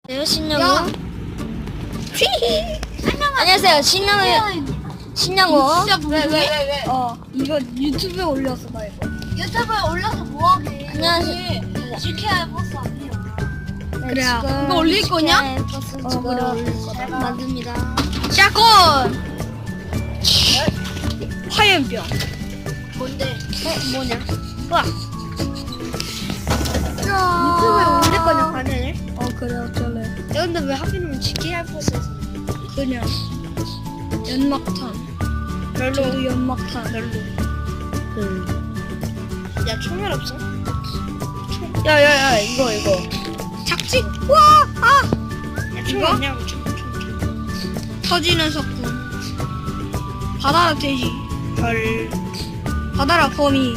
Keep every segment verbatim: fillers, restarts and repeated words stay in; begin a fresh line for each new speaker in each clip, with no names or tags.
네, 신영우. 휘히. 안녕하세요, 신영우. 신영우.
진짜 왜, 왜, 왜, 왜?
어, 이거 유튜브에 올렸어, 나 이거.
유튜브에 올려서 뭐하게?
안녕하세요.
지케야 버스 아니에요.
그래요.
지금
이거 올릴 거냐?
버스
어,
지금
그래, 올릴 거다.
만듭니다.
샷건! 화염병.
뭔데?
어, 뭐냐?
우와.
유튜브에 올릴 거냐, 반응을?
어, 그래, 어쩔래.
야, 근데 왜 하필이면 지케야 버스에서?
그냥. 연막탄. 별로. 저도 연막탄. 별로.
야, 총알 없어?
야, 야, 야, 이거, 이거.
작지?
와! 아!
야, 총
이거?
없냐고, 총, 총, 총.
터지는 석궁. 바다라 돼지. 별. 바다라 거미.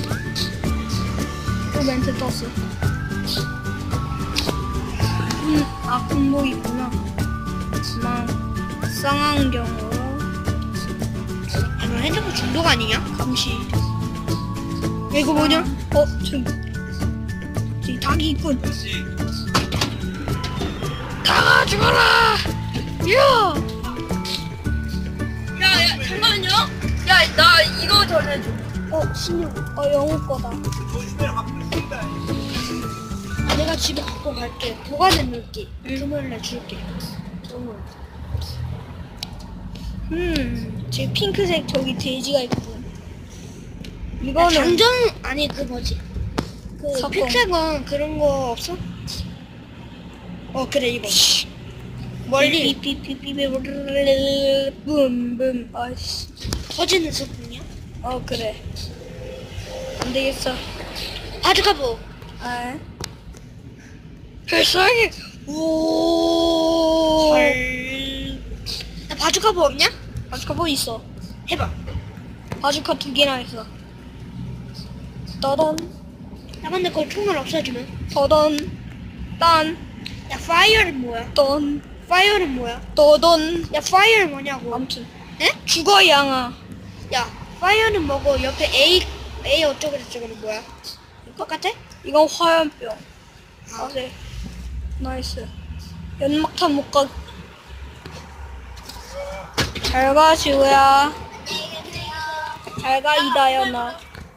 또 멘트 떴어. 군, 아, 군복 있구나. 막, 쌍안경으로.
야, 너 핸드폰 중독 아니냐?
감시. 야, 이거 뭐냐? 어, 저기. 저기 닭이 있군. 닭아, 죽어라! 야!
야, 야, 잠깐만요. 야, 나 이거 전해줘.
어, 신용. 어, 영우 거다.
아, 내가 집에 갖고 갈게. 보관해 놓을게. 금요일날 줄게. 금요일.
음, 제 핑크색 저기 돼지가 있군.
야,
이거는
장전, 아니, 그 뭐지? 그,
석공.
픽색은 그런 거 없어? 어, 그래, 이거. 멀리
삐삐삐삐삐 붐붐. 아이씨.
터지는 소품이야?
어, 그래. 안 되겠어.
바주카보.
아,
별사하게. 오. 헐. 야, 바주카보 없냐?
바주카 뭐 있어?
해봐.
바주카 두 개나 있어. 떠던,
야, 근데 그걸 총알 없어지면?
떠던, 딴,
야, 파이어는 뭐야?
떤,
파이어는 뭐야?
떠던.
야, 파이어는 뭐냐고?
아무튼.
에?
죽어, 양아.
야, 파이어는 뭐고 옆에 A, A 어쩌고 저쩌고는 뭐야? 똑같아?
이건 화염병.
아,
네. 나이스. 연막탄 못 가. 잘 가, 지우야. 잘 가, 이다연아.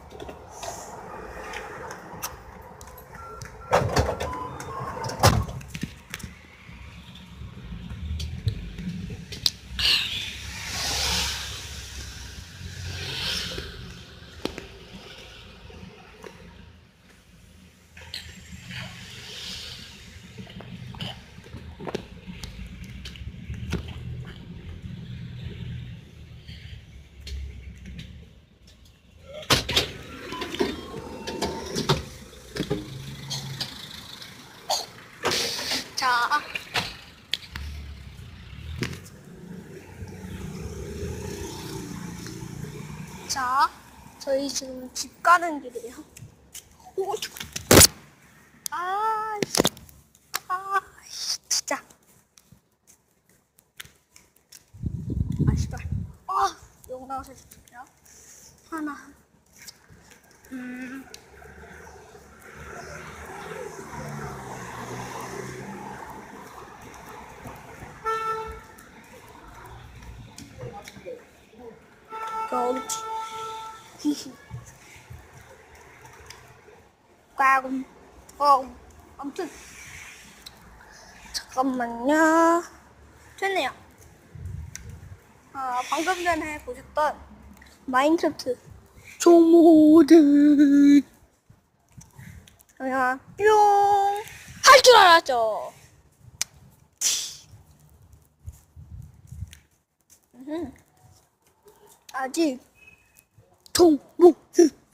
자.
자, 저희 지금 집 가는 길이에요. 오, 아, 씨. 아, 씨, 진짜. 아, 씨발. 아, 영상 해줄게요. 하나. 음. 그렇지. 히히. 꽝. 꽝. 아무튼. 잠깐만요. 됐네요. 아, 방금 전에 보셨던 마인크래프트 조모드. 그냥 뿅. 할 줄 알았죠. 음흠. 아직 동모드